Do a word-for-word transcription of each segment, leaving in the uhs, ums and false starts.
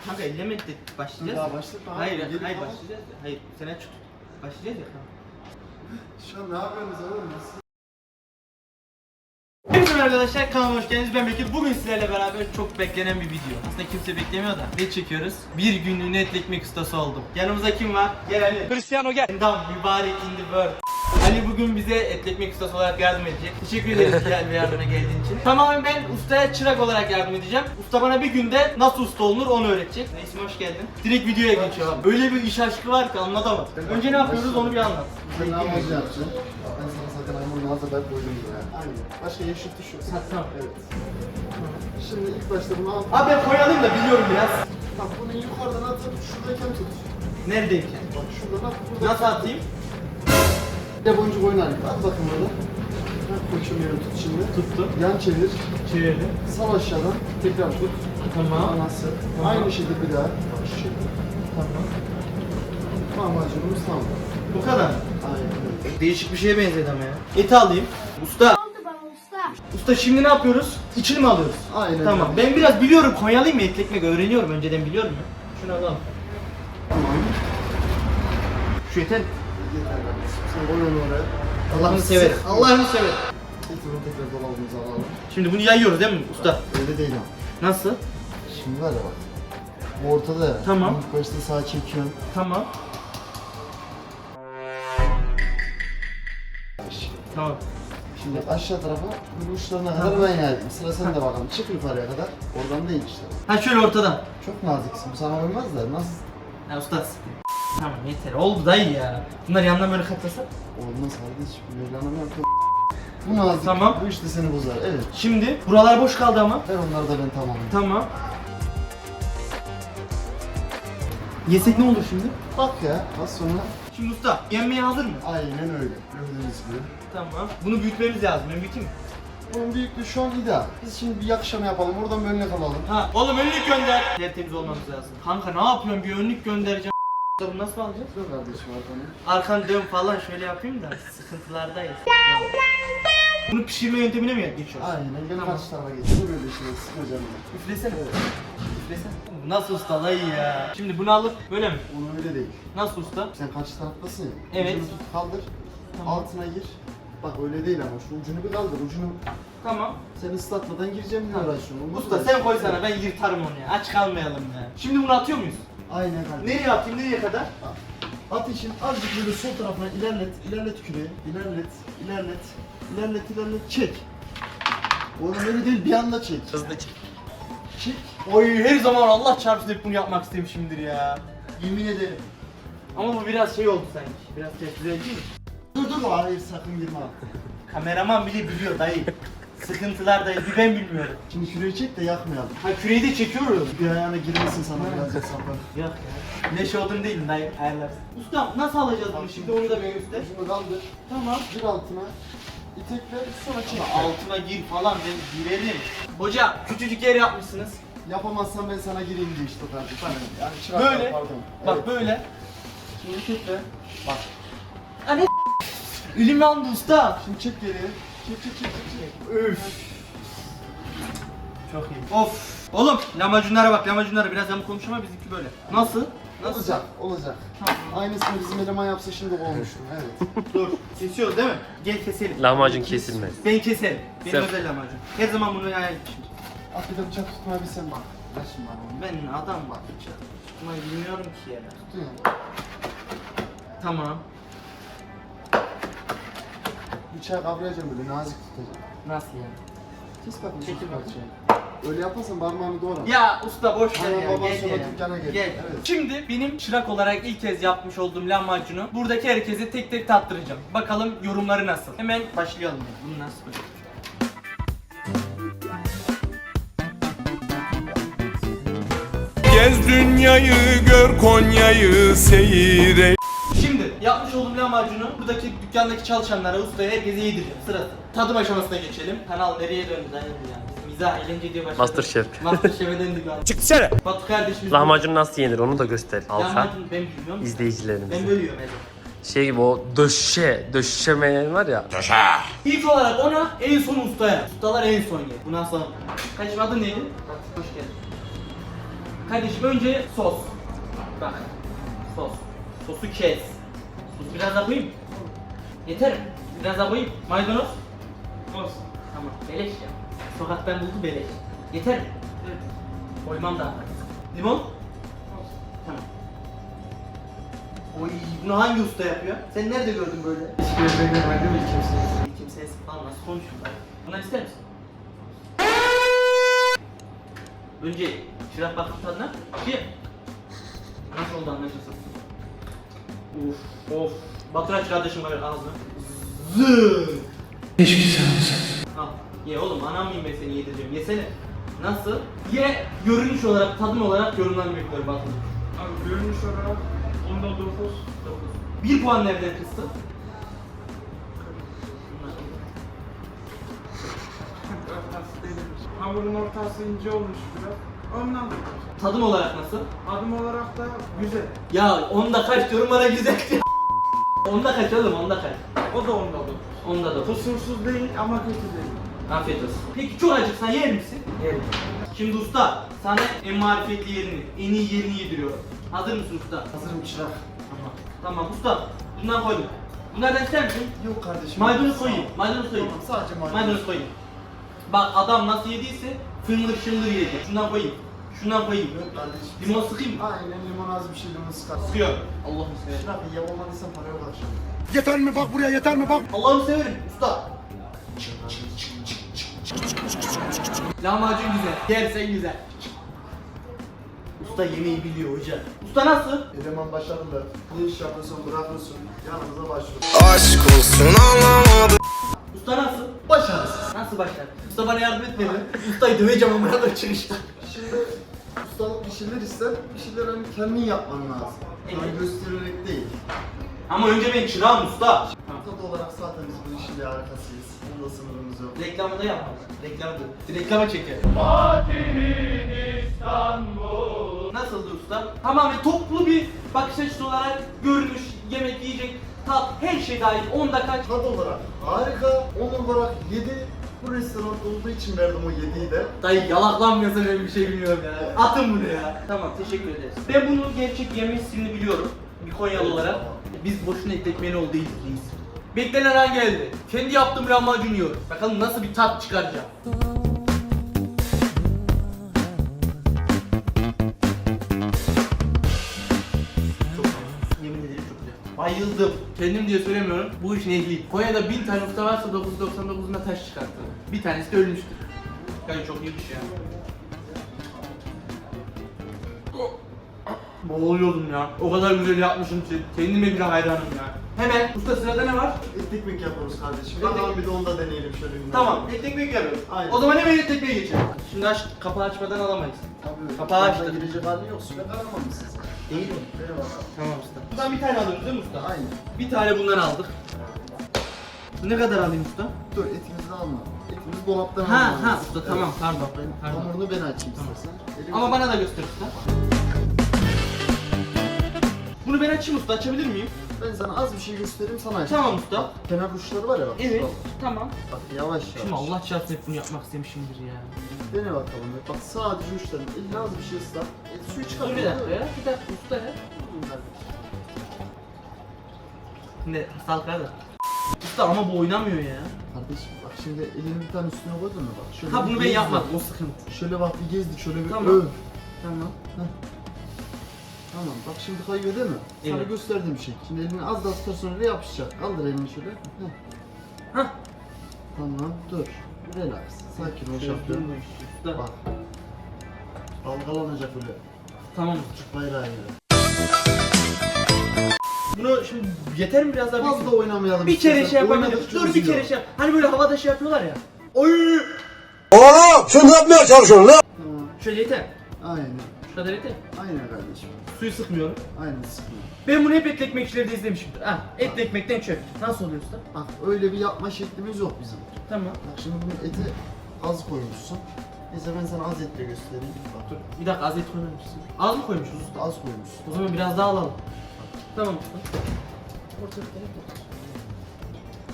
Kanka elleme de başlayacağız. Daha başlatma abi. Hayır, Gelin hayır ama. başlayacağız. Hayır, sen aç tut. Başlayacağız ya kanka. Şu an ne yapıyorsunuz oğlum biz? Hepinize arkadaşlar, kanalıma hoş geldiniz. Ben Bekir. Bugün sizlerle beraber çok beklenen bir video. Aslında kimse beklemiyor da. Ne çekiyoruz? Bir günlüğüne et ekmek ustası oldum. Yanımızda kim var? Gel Ali. Cristiano gel. Tamam, mübarek in the world. Ali bugün bize et ekmek ustası olarak yardım edecek. Teşekkür ederiz gel bir yardıma geldiğin için. Tamamen ben ustaya çırak olarak yardım edeceğim. Usta bana bir günde nasıl usta olunur onu öğretecek. Neyse, hoş geldin. Direkt videoya geçiyor. Böyle bir iş aşkı var ki anlatamadım. Önce ne yapıyoruz onu bir anlat. Ben ne yapacağım yapacağım? Ben sana zaten ayımın nazı ben koydum buraya. Aynen. Başka yeşil tuş. Ha, tamam. Evet. Şimdi ilk başta bunu al. Abi ben koyalım da biliyorum biraz. Bak bunu yukarıdan atıp şuradayken tut. Neredeyken? Bak şuradan at. Buradan Nasıl atayım? Bir de boncuk oynarım. At bakın burada. Bak koçum yerim tut şimdi. Tuttum. Yan çevir. Çevirdim. Sal aşağıdan. Tekrar tut. Tamam. Anası. Tamam. Aynı şekilde bir daha. Bak şu şekilde. Tamam. Lahmacunumuz tamam. Bu kadar. Aynen öyle. Değişik bir şeye benzedi ama ya. Eti alayım. Usta. oldu bana usta? Usta şimdi ne yapıyoruz? İçini mi alıyoruz? Aynen Tamam. öyle. Ben biraz biliyorum. Konyalıyım ya, et ekmek öğreniyorum. Önceden biliyorum ya. Şunu alalım. Tamam. Şu yeter. Yeter kardeşim. Sen koy onu oraya. Allah'ını severim. Allah'ını severim. Getirin tekrar dolabımıza alalım. Şimdi bunu yayıyoruz değil mi usta? Öyle değil ama. Nasıl? Şimdi var ya bak. Bu ortada ya. Tamam. İlk başta sağa çekiyorsun. Tamam. Tamam. Şimdi aşağı tarafa bu uçlarına kadar ben yaydım. Sıra sende bakalım. Çık yukarıya kadar. Oradan değil işte. Ha şöyle ortadan. Çok naziksin. Bu sana uymaz da nasıl? Ha usta. Tamam yeter. Oldu dayı ya. Bunlar yandan böyle katlasa. Olmaz kardeşim. Mevlana yok. Bu nazik. Tamam. Bu işte seni bozar. Evet. Şimdi buralar boş kaldı ama. Ver onları da ben tamamım. Tamam. Yesek ne olur şimdi? Bak ya. Az sonra. Şimdi usta yenmeye hazır mı? Aynen öyle. Gördüğünüz gibi. Tamam. Bunu büyütmemiz lazım. Ben büyüteyim mi? Bunun büyüklüğü şu an ideal. Biz şimdi bir yakışama yapalım. Oradan bir önüne kalalım. Ha oğlum önlük gönder. Tertemiz olmamız lazım. Kanka ne yapıyorsun? Bir önlük göndereceğim. Bunu nasıl alacağız? Dur kardeşim arkanı. Arkan dön falan şöyle yapayım da sıkıntılardayız. Bunu pişirme yöntemine mi geçiyoruz? Aynen. Gel Tamam. karşı tarafa geç. Dur böyle şey. Sıkacağım ben. Üflesene. Üflesene. Bu nasıl usta dayı ya? Şimdi bunu alıp böyle mi? Onu öyle değil. Nasıl usta? Sen karşı taraftasın ya. Evet. Ucunu tut kaldır. Tamam. Altına gir. Bak öyle değil ama şu ucunu bir kaldır. Ucunu Tamam. sen ıslatmadan gireceğim diye uğraşıyorum. Onu Usta da- sen koy sana, ben yırtarım onu ya. Aç kalmayalım ya. Şimdi bunu atıyor muyuz? Aynen kardeşim. Nereye atayım, nereye kadar? At için azıcık böyle sol tarafına ilerlet. İlerlet küreği. İlerlet. İlerlet. İlerlet ilerlet. Çek. Oğlum öyle değil bir anda çek. Hızlı çek. Çek. Oy her zaman Allah çarpsın hep bunu yapmak istemişimdir ya. Yemin ederim. Ama bu biraz şey oldu sanki. Biraz tepki değil mi? Dur dur hayır sakın girme. Kameraman bile biliyor dayı. Sıkıntılar dayı, bir ben bilmiyorum. Şimdi küreği çek de yakmayalım. Ha küreği de çekiyoruz. Bir ayağına girmesin sana birazcık sapar. Yok ya. Neşe olduğunu değil mi dayı? Ayarlarsın. Usta nasıl alacağız bunu şimdi onu da bir göster. Ucunu kaldır. Tamam. Gir altına. İtekle sonra çek. Altına gir falan ben girerim. Hoca küçücük yer yapmışsınız. Yapamazsan ben sana gireyim diye işte kardeşim. Yani çırak Böyle. pardon. Bak Evet. böyle. Şimdi tekrar. Bak. Anne elim yandı usta. Şimdi çek geriye. Çek çek çek çek. çek. Öf. Çok iyi. Of. Oğlum lahmacunlara bak, lahmacunlara biraz yamuk konuşma ama bizimki böyle. Nasıl? Nasıl? Olacak, olacak. Tamam. Aynısını bizim eleman yapsa şimdi olmuştum. Evet. Dur. Kesiyoruz değil mi? Gel keselim. Lahmacun kesilmez. Ben keserim. Benim Sen- özel lahmacun. Her zaman bunu hayal etmişim. At bir de bıçak tutmayı bir sen bak. Ver şimdi bana onu. Ben adam bak. Ama bilmiyorum ki ya. Tutun ya. Tamam. Bıçağı kavrayacağım böyle nazik tutacağım. Nasıl yani? Kes bakayım. Çekil Çekil bakayım. parçayı. Öyle yaparsan parmağını doğra. Ya usta boş ver Ana ya. baba Gel sola ya. dükkana gel. Gel. Evet. Şimdi benim çırak olarak ilk kez yapmış olduğum lahmacunu buradaki herkese tek tek tattıracağım. Bakalım yorumları nasıl? Hemen başlayalım. Bunu nasıl böyle? Gez dünyayı gör Konya'yı seyre. Şimdi yapmış olduğum lahmacunu buradaki dükkandaki çalışanlara, ustaya, herkese yedireceğim. Sırası. Tadım aşamasına geçelim. Kanal nereye döndü dayandı yani. Biz mizah, eğlence diye başladık. Masterchef. Masterchef'e döndük abi. Çık dışarı. Batu kardeşimiz... Lahmacun nasıl yenir onu da göster. Alfa. Lahmacun ben bilmiyorum. Ben İzleyicilerimize. böyle yiyorum Ezo. Şey gibi o döşe, döşemeyen var ya. İlk olarak ona, en son ustaya. Ustalar en son yer. Bundan sonra. Kaçım adın neydi? Hoş geldin. Kardeşim önce sos. Bak. Sos. Sosu kes. Sos biraz daha koyayım mı? Yeter mi? Biraz daha koyayım. Maydanoz. Olsun. Tamam. Beleş ya. Sokaktan buldu beleş. Yeter mi? Evet. Koymam daha. Limon. Olsun. Tamam. Oy, bunu hangi usta yapıyor? Sen nerede gördün böyle? Hiçbir yerde görmedim ilk kimseyi. Kimseye falan nasıl konuşuyor? Bunları ister misin? Önce çırak baktım tadına. Ki nasıl oldu anlaşılsın. Of of. Batır aç kardeşim var ağzına. Zıııı. Keşke sen olsan. Al. Ye oğlum, anam mıyım ben seni yedireceğim. Yesene. Nasıl? Ye, görünüş olarak, tadım olarak yorumlarını bekliyorum Batır. Abi görünüş olarak onda dokuz. Bir puan nereden kıstı? Ortası değilmiş. Hamurun ortası ince olmuş biraz. Ondan Tadım olarak nasıl? adım olarak da güzel. Ya onda kaç diyorum bana güzel diyor. Onda kaç oğlum, onda kaç? O da onda dokuz. Onda da. Kusursuz değil ama kötü değil. Afiyet olsun. Peki çok acıksan yer misin? Yerim. Şimdi usta, sana en marifetli yerini, en iyi yerini yediriyorum. Hazır mısın usta? Hazırım çırak. Tamam. Tamam usta, bundan koydum. Bunlardan ister misin? Yok kardeşim. Maydanoz Sağ ol. koyayım, maydanoz koyayım. Tamam, sadece maydanoz. Maydanoz koyayım. Bak adam nasıl yediyse fındır şındır yedi. Şundan koyayım. Şundan koyayım. Yok kardeşim. Limon sıkayım mı? Aynen limon az bir şey limon sıkar. Sıkıyor. Allah'ım severim. Çırak iyi olmadıysan para yok akşam. Yeter mi bak buraya yeter mi bak. Allah'ım severim usta. Lahmacun güzel. Yersen güzel. Usta yemeği biliyor hoca. Usta nasıl? Eleman başarılı. Ne iş yapıyorsun bırakıyorsun. Yanımıza başlıyor. Aşk olsun anlamadım. Usta nasıl? Başarısız. Nasıl başlar? Usta bana yardım etmedi. Ustayı döveceğim ama bana çıkışta. Şimdi ustalık bir şeyler ister, bir şeyler hani kendin yapman lazım. Yani Evet. göstererek değil. Ama önce ben çırağım usta. Tat olarak zaten biz bu işin bir harikasıyız. Bunda sınırımız yok. Reklamı da yapmaz. Reklamı da. Reklama çeker. Nasıldı usta? Tamamen toplu bir bakış açısı olarak görünüş, yemek, yiyecek, tat, her şey dahil. Onda kaç? Tat olarak harika, on olarak yedi. Bu restoran olduğu için verdim o yediyi de. Dayı yalaklanmıyorsa ben bir şey bilmiyorum ya. Atın bunu ya. Tamam, teşekkür ederiz. Ben bunun gerçek yeme ismini biliyorum. Bir Konyalı olarak. Biz boşuna ekletmeni ol değiliz reis. Beklenen an geldi. Kendi yaptığım lahmacun yiyorum. Bakalım nasıl bir tat çıkaracağım. Çok yemin ederim çok güzel. Bayıldım. Kendim diye söylemiyorum. Bu işin ehliyim. Konya'da bin tane usta varsa dokuz yüz doksan dokuzunda taş çıkarttı. Bir tanesi de ölmüştür. Yani çok iyiymiş ya. Boğuluyordum ya. O kadar güzel yapmışım ki. Kendime bile hayranım ya. Hemen usta sırada ne var? Et ekmek yapıyoruz kardeşim. Et Bakalım ekmek. bir de onda deneyelim şöyle bir. Tamam, et ekmek yapıyoruz. Aynen. O zaman hemen et ekmeğe geçelim. Şimdi aç, kapağı açmadan alamayız. Tabii. Kapağı Kapağı açtı. girecek hali yok. Süre karamamışsın sen. Değil mi? Eyvallah. Tamam usta. Buradan bir tane alıyoruz değil mi usta? Aynen. Bir tane bundan aldık. Ne kadar alayım usta? Dur etimizi de alma. Etimizi dolaptan Ha, almamız ha, lazım. usta, tamam, pardon, Bak ben pardon. hamurunu ben açayım istersen. Elimi- Ama bana da göster usta. Bunu ben açayım usta, açabilir miyim? Ben sana az bir şey göstereyim sana aç. Tamam usta. Bak, kenar uçları var ya bak. Evet, Bak, tamam. bak yavaş yavaş. Şimdi Allah çarpsın hep bunu yapmak istemişimdir ya. Dene bakalım. Bak sadece uçların. Eline az bir şey ıslat. Et suyu çıkar. Dur bir dakika ya, bir dakika usta ya. Ne, hastalıklar da. Usta ama bu oynamıyor ya. Kardeşim bak şimdi elini bir tane üstüne koydun mu bak. Şöyle Ha bir bunu ben gezdir. yapmadım, o sıkıntı. Şöyle bak bir gezdik şöyle bir Tamam. öv. Tamam. Heh. Tamam bak şimdi kayıyor değil mi? Sana Evet. gösterdiğim şey. Şimdi elini az daha tutar sonra yapışacak. Kaldır elini şöyle. Heh. Hah. Tamam dur. Relax. Sakin ol şampiyon. Usta. Bak. Dalgalanacak öyle. Tamam. Türk bayrağı gibi. Bunu şimdi yeter mi biraz daha? Fazla oynamayalım. Bir kere istersen. şey yapabilirim. Oynadıkça Dur bir üzüyor. kere şey yap. Hani böyle havada şey yapıyorlar ya. Oy! Oğlum sen ne yapmaya çalışıyorsun lan? Tamam. Şöyle yeter. Aynen. Şu kadar yeter. Aynen kardeşim. Suyu sıkmıyorum. Aynen sıkma. Ben bunu hep etli ekmekçilerde izlemişimdir. Ha, etli ekmekten çöp. Nasıl oluyor usta? Bak öyle bir yapma şeklimiz yok bizim. Tamam. Bak şimdi bunun eti az koymuşsun. Neyse ben sana az etle göstereyim. Bak dur. Bir dakika az et koymamışsın. Az mı koymuşuz usta? Az koymuşsun. O zaman biraz daha alalım. Tamam usta. Ortaya koyalım.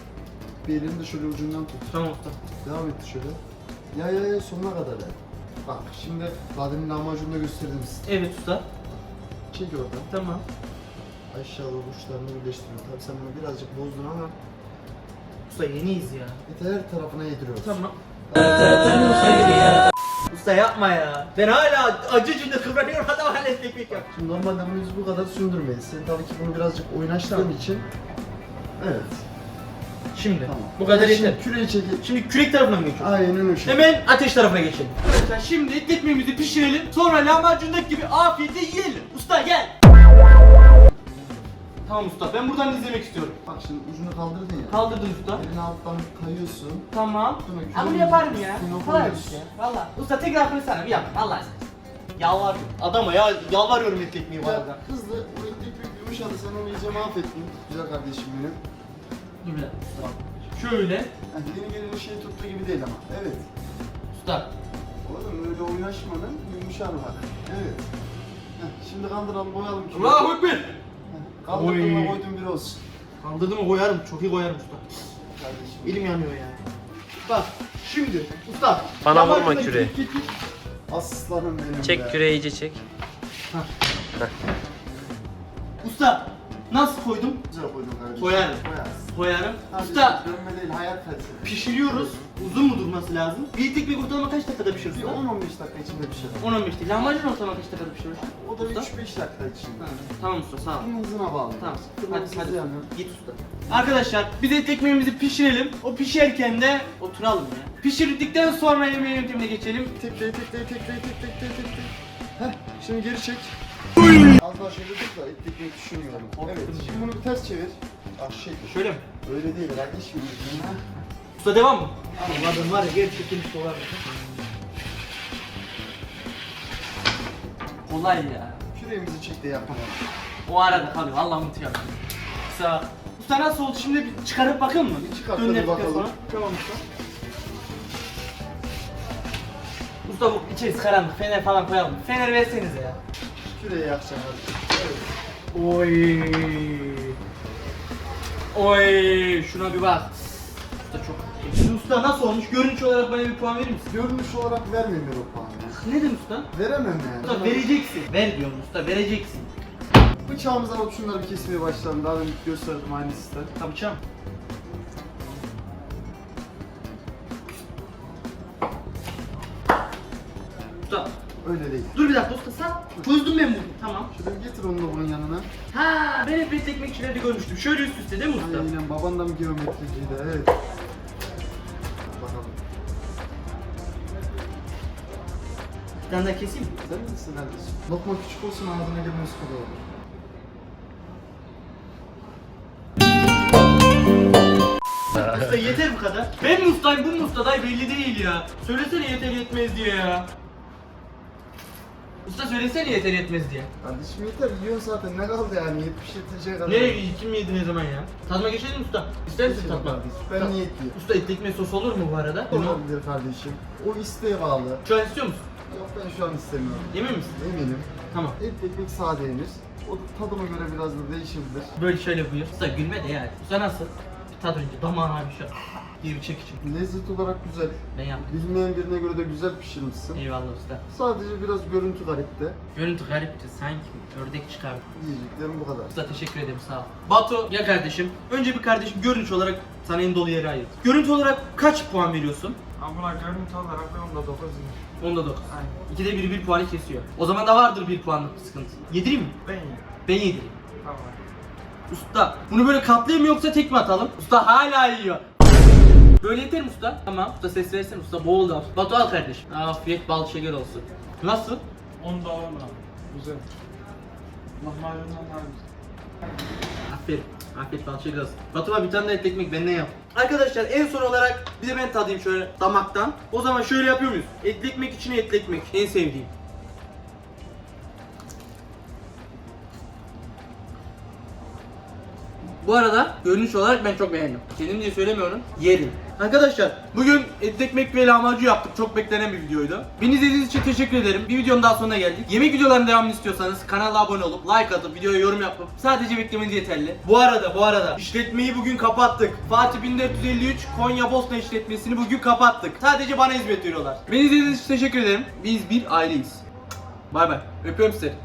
Bir elini de şöyle ucundan tut. Tamam usta. Devam et şöyle. Ya ya ya sonuna kadar ya. Bak şimdi Kadir'in lahmacununu da gösterdim size. Evet usta. Çek oradan. Tamam. Aşağıda uçlarını birleştiriyor. Tabii sen bunu birazcık bozdun ama Usta yeniyiz ya. eti her tarafına yediriyoruz. Tamam. Usta yapma ya. Ben hala acı cümle kıvranıyorum, adam hala ekmek yap. Şimdi normalde bunu biz bu kadar sündürmeyiz. Sen tabii ki bunu birazcık oynaştırdığın için. Evet. Şimdi Tamam. bu kadar Şimdi yeter. küreği çekip. Şimdi kürek tarafına mı geçiyoruz? Aynen o şey. Hemen ateş tarafına geçelim. Arkadaşlar şimdi ekmeğimizi pişirelim. Sonra lahmacundaki gibi afiyetle yiyelim. Usta gel. Tamam usta, ben buradan izlemek istiyorum. Bak şimdi ucunu kaldırdın ya. Kaldırdım usta. Elini alttan kayıyorsun. Tamam. Sonra Ama bunu küreği yaparım ya. üstüne Kolay bir koyuyorsun. şey. Valla. Usta tekrar fırsana bir yap. Allah aşkına. Yalvarıyorum. Adama ya yalvarıyorum et ekmeği bu arada. Ya hızlı, o etlik bir yumuşadı, sen onu iyice mahvettin. Güzel kardeşim benim. Dur bir dakika usta. Şöyle. Yani yeni geleni şey tuttuğu gibi değil ama. Evet. Usta. Oğlum öyle oynaşmadan yumuşar bak. Evet. Heh, şimdi kaldıralım, boyalım. ki. Allahu Ekber. Kaldırdığımda Oy. koydum bir olsun. Kaldırdım mı koyarım. Çok iyi koyarım usta. Kardeşim. Elim yanıyor ya. Bak şimdi usta. Bana lahmacun vurma da küreği. git, git, git. Aslanım benim be. Çek küreği iyice çek. Usta nasıl koydum? Güzel koydum kardeşim. Koyarım. Koyarsın. Koyarım. Kardeşim, Usta dönme değil, hayat felsefe. pişiriyoruz. Uzun mu durması lazım? Bir ekmek ortalama kaç dakikada pişirir Bir usta? on on beş dakika içinde bir şey. on on beş değil. Lahmacun ortalama kaç dakikada pişirir usta? O da Usta? üç beş dakika içinde. Ha, tamam usta sağ ol. Bunun hızına bağlı. Tamam. Kırmızı Hadi hadi. yanıyor. Git usta. Arkadaşlar biz et ekmeğimizi pişirelim. O pişerken de oturalım ya. Pişirdikten sonra yemeğe yöntemine geçelim. Tekleyi tekleyi tekleyi tekleyi tekleyi tekleyi. Heh, şimdi geri çek. Az daha şöyle dur da et tekmeyi düşünmüyorum. Evet, şimdi bunu bir ters çevir. Ah şey, Şöyle mi? öyle değil kardeşim. Ha? Usta devam mı? Anladım var ya gerçekten işte olay. Kolay ya. Küreğimizi çek de yapalım. O arada kalıyor. Vallahi unutuyorum. Usta. Usta nasıl oldu? Şimdi bir çıkarıp bakın mı? Bir çıkart, Dönüne hadi bakalım. sonra. Tamam usta. Usta bu içerisi karanlık. Fener falan koyalım. Fener versenize ya. Küreği yakacağım hadi. Evet. Oy. Oy. Şuna bir bak. Usta çok. Şimdi usta nasıl olmuş? Görünüş olarak bana bir puan verir misin? Görünüş olarak vermeyeyim ben o puanı. Ne dedim usta? Veremem yani. Usta vereceksin. Ver diyorum usta, vereceksin. Bıçağımızla alıp şunları bir kesmeye başlayalım. Daha önce gösterdim aynı sistem. Tabii çam. Usta. Öyle değil. Dur bir dakika usta sen. Çözdüm ben bunu. Tamam. Şöyle bir getir onu da bunun yanına. Ha, ben hep et ekmekçilerde görmüştüm. Şöyle üst üste değil mi usta? Aynen, baban da mı geometriciydi? Evet. Bakalım. Bir tane daha keseyim mi? Sen misin kardeşim? Lokma küçük olsun, ağzına girmesi kolay olur. Usta yeter bu kadar. Ben mi ustayım, bu mu usta dayı belli değil ya. Söylesene yeter yetmez diye ya. Usta söylesene yeter yetmez diye. Kardeşim yeter, yiyorsun zaten. Ne kaldı yani? yetmiş yetecek kadar. Nereye kim yedi ne zaman ya? Tadıma geçelim mi usta? İster misin Geçelim tatma? kardeşim, ben niyetliyim. Usta etli ekmek sos olur mu bu arada? Olabilir kardeşim. O isteğe bağlı. Şu an istiyor musun? Yok, ben şu an istemiyorum. Emin misin? Eminim. Tamam. Et ekmek sade yenir. O da tadıma göre biraz da değişebilir. Böyle şöyle buyur. Usta gülme de yani. Usta nasıl? Bir tadı önce damağına bir şey. Bir bir çek için. Lezzet olarak güzel. Ben yaptım. Bilmeyen birine göre de güzel pişirmişsin. Eyvallah usta. Sadece biraz görüntü garipti. Görüntü garipti sanki. Ördek çıkardı. Diyeceklerim bu kadar. Usta teşekkür ederim sağ ol. Batu ya kardeşim. Önce bir kardeşim görünüş olarak sana en dolu yeri ayır. Görüntü olarak kaç puan veriyorsun? Ama görüntü olarak ben onda dokuz yiyeyim. Onda dokuz. Aynen. İkide biri bir puanı kesiyor. O zaman da vardır bir puanlık bir sıkıntı. Yedireyim mi? Ben yiyeyim. Ben yedireyim. Tamam. Usta bunu böyle katlayayım mı yoksa tek mi atalım? Usta hala yiyor. Böyle yeter mi usta? Tamam. Usta ses versene usta boğuldu al. Batu al kardeşim. Afiyet bal şeker olsun. Nasıl? Onda on abi. Güzel. Lahmacundan daha güzel. Aferin. Afiyet bal şeker olsun. Batu'ma bir tane de et ekmek benden yap. Arkadaşlar en son olarak bir de ben tadayım şöyle damaktan. O zaman şöyle yapıyor muyuz? Etli ekmek içine etli ekmek. En sevdiğim. Bu arada görünüş olarak ben çok beğendim. Kendim diye söylemiyorum. Yerim. Arkadaşlar bugün etli ekmek ve lahmacun yaptık. Çok beklenen bir videoydu. Beni izlediğiniz için teşekkür ederim. Bir videonun daha sonuna geldik. Yemek videolarının devamını istiyorsanız kanala abone olup like atıp videoya yorum yapıp sadece beklemeniz yeterli. Bu arada bu arada işletmeyi bugün kapattık. Fatih bin dört yüz elli üç Konya Bosna işletmesini bugün kapattık. Sadece bana hizmet veriyorlar. Beni izlediğiniz için teşekkür ederim. Biz bir aileyiz. Bay bay. Öpüyorum sizi.